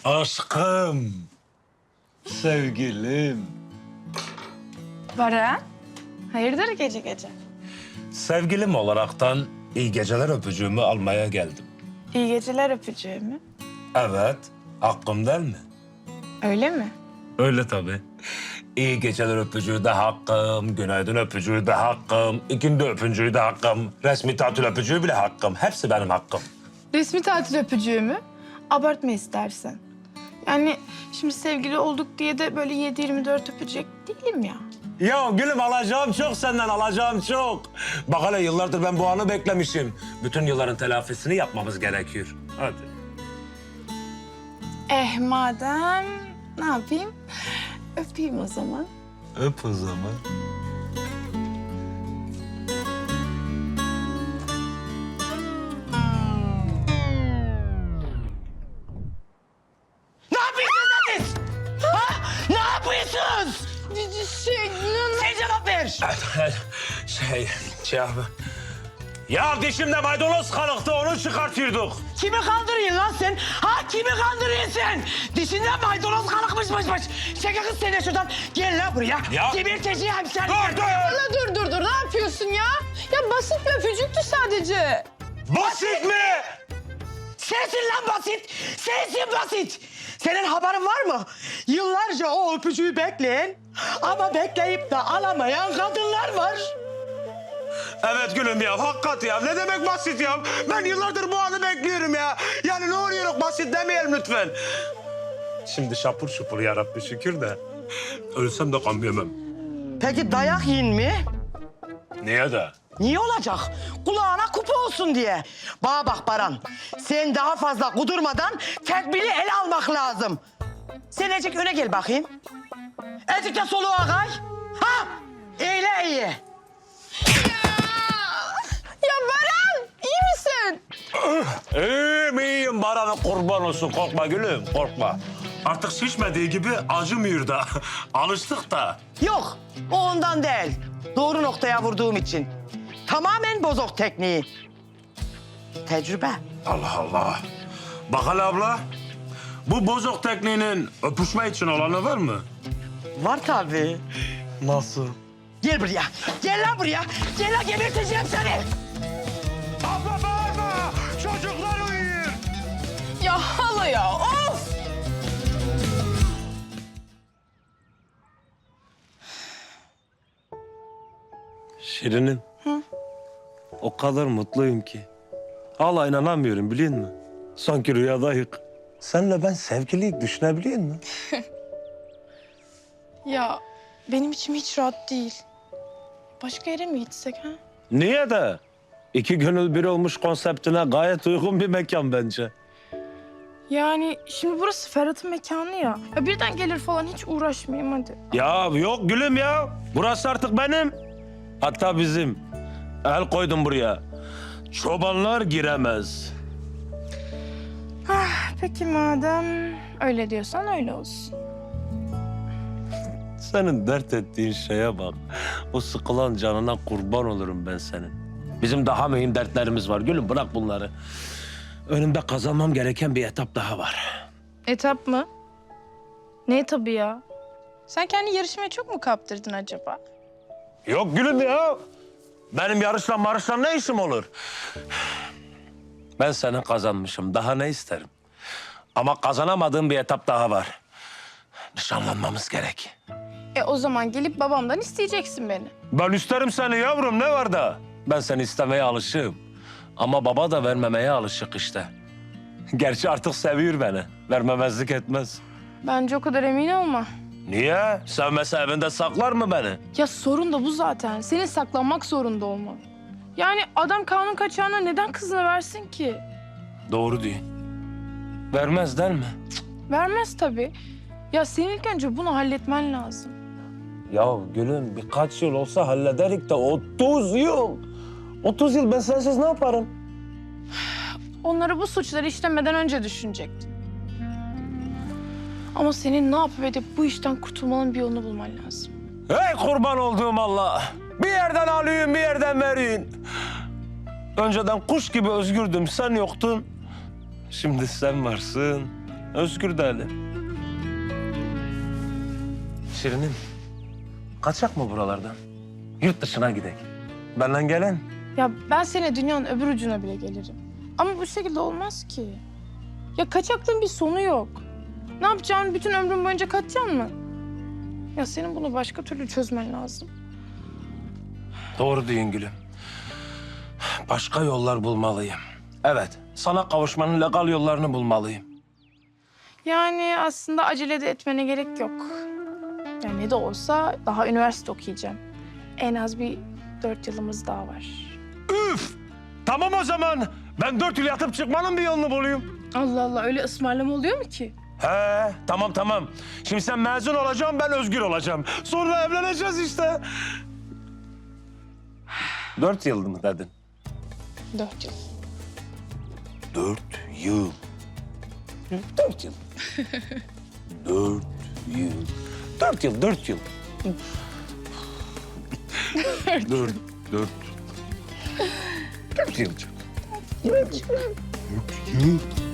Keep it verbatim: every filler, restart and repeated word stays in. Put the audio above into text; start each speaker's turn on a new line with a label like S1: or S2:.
S1: Aşkım, sevgilim.
S2: Baran, hayırdır gece gece?
S1: Sevgilim olaraktan iyi geceler öpücüğümü almaya geldim.
S2: İyi geceler öpücüğü mü?
S1: Evet, hakkım değil mi?
S2: Öyle mi?
S1: Öyle tabii. İyi geceler öpücüğü de hakkım, günaydın öpücüğü de hakkım, ikindi öpücüğü de hakkım, resmi tatil öpücüğü bile hakkım. Hepsi benim hakkım.
S2: Resmi tatil öpücüğü mü? Abartma istersen. Yani şimdi sevgili olduk diye de böyle yedi yirmi dört öpecek değilim ya.
S1: Ya gülüm alacağım çok senden, alacağım çok. Bak hele yıllardır ben bu anı beklemişim. Bütün yılların telafisini yapmamız gerekiyor. Hadi.
S2: Eh madem ne yapayım? Öpeyim o zaman.
S1: Öp o zaman.
S3: Ne yapıyorsunuz siz? Ha? Ne yapıyorsunuz?
S2: Şey,
S3: Sen cevap ver.
S1: Şey, şey abi. Ya dişimde maydanoz kalıktı, onu çıkartıyorduk.
S3: Kimi kandırıyorsun lan sen? Ha kimi kandırıyorsun sen? Dişinden maydanoz kalıkmışmışmış. Çekil kız sen de şuradan. Gel lan buraya.
S1: Ya.
S3: Geberteceğim seni.
S1: Dur, dur.
S2: Dur dur dur dur ne yapıyorsun ya? Ya basit bir öpücüktü sadece.
S1: Basit mi?
S3: Sensin lan basit. Sensin basit. Senin haberin var mı? Yıllarca o öpücüğü bekleyen ama bekleyip de alamayan kadınlar var.
S1: Evet gülüm ya, hakikat ya. Ne demek basit ya? Ben yıllardır bu anı bekliyorum ya. Yani ne oluyor, basit demeyelim lütfen. Şimdi şapur şupur yarabbi şükür de. Ölsem de gam yemem.
S3: Peki dayak yiyin mi?
S1: Niye de?
S3: Niye olacak? Kulağına kupa olsun diye. Bana bak Baran, sen daha fazla kudurmadan tedbiri ele almak lazım. Sen Ecik öne gel bakayım. Ecik de soluğa kay. Ha! Eyle iyi.
S2: Ya Baran iyi misin?
S1: İyiyim iyiyim, Baran'a kurban olsun. Korkma gülüm, korkma. Artık şişmediği gibi acımıyor da. Alıştık da.
S3: Yok, o ondan değil. Doğru noktaya vurduğum için. Tamamen bozok tekniği. Tecrübe.
S1: Allah Allah. Bak hele abla. Bu bozok tekniğinin öpüşme için olanı var mı?
S3: Var tabii.
S1: Nasıl?
S3: Gel buraya. Gel lan buraya. Gel lan geberteceğim seni.
S1: Abla bağırma. Çocuklar uyuyor.
S2: Ya hala ya of!
S1: Şirinim. Hı? O kadar mutluyum ki. Hala inanamıyorum biliyor musun? Sanki rüyadayız. Senle ben sevgililik düşünebiliyor musun?
S2: Ya benim içim hiç rahat değil. Başka yere mi gitsek ha?
S1: Niye de? İki gönül bir olmuş konseptine gayet uygun bir mekan bence.
S2: Yani şimdi burası Ferhat'ın mekanı ya. Ya birden gelir falan hiç uğraşmayayım hadi.
S1: Ya yok gülüm ya. Burası artık benim. Hatta bizim. El koydum buraya. Çobanlar giremez.
S2: Peki madem öyle diyorsan öyle olsun.
S1: Senin dert ettiğin şeye bak. O sıkılan canına kurban olurum ben senin. Bizim daha mühim dertlerimiz var. Gülüm bırak bunları. Önümde kazanmam gereken bir etap daha var.
S2: Etap mı? Ne etabı ya? Sen kendi yarışmaya çok mu kaptırdın acaba?
S1: Yok gülüm ya. Benim yarışla marışla ne işim olur? Ben seni kazanmışım. Daha ne isterim? Ama kazanamadığım bir etap daha var. Nişanlanmamız gerek.
S2: E o zaman gelip babamdan isteyeceksin beni.
S1: Ben isterim seni yavrum. Ne var da? Ben seni istemeye alışığım. Ama baba da vermemeye alışık işte. Gerçi artık seviyor beni. Vermemezlik etmez.
S2: Bence o kadar emin olma.
S1: Niye? Sevmese evinde saklar mı beni?
S2: Ya sorun da bu zaten. Senin saklanmak zorunda olman. Yani adam kanun kaçağına neden kızını versin ki?
S1: Doğru diyor. Vermez değil mi?
S2: Vermez tabii. Ya senin ilk önce bunu halletmen lazım.
S1: Ya gülüm birkaç yıl olsa hallederik de otuz yıl. otuz yıl ben sensiz ne yaparım?
S2: Onları bu suçları işlemeden önce düşünecektin. Ama senin ne yapıp edip bu işten kurtulmanın bir yolunu bulman lazım.
S1: Hey kurban olduğum Allah. Bir yerden alayım bir yerden vereyim. Önceden kuş gibi özgürdüm sen yoktun. Şimdi sen varsın. Özgür değilim. Şirinim, kaçak mı buralardan? Yurt dışına gidelim. Benden gelen.
S2: Ya ben seni dünyanın öbür ucuna bile gelirim. Ama bu şekilde olmaz ki. Ya kaçaklığın bir sonu yok. Ne yapacaksın? Bütün ömrün boyunca kaçacaksın mı? Ya senin bunu başka türlü çözmen lazım.
S1: Doğru diyorsun gülüm. Başka yollar bulmalıyım. Evet, sana kavuşmanın legal yollarını bulmalıyım.
S2: Yani aslında acele de etmene gerek yok. Yani ne de olsa daha üniversite okuyacağım. En az bir dört yılımız daha var.
S1: Üf! Tamam o zaman. Ben dört yıl yatıp çıkmanın bir yolunu bulayım.
S2: Allah Allah, öyle ısmarlama oluyor mu ki?
S1: He, tamam tamam. Şimdi sen mezun olacaksın, ben özgür olacağım. Sonra evleneceğiz işte. Dört yıl mı dedin?
S2: Dört yıl.
S1: Dört yıl. Dört yıl. Dört yıl. Dört yıl, dört yıl. dört, dört. Dört yıl. Dört yıl.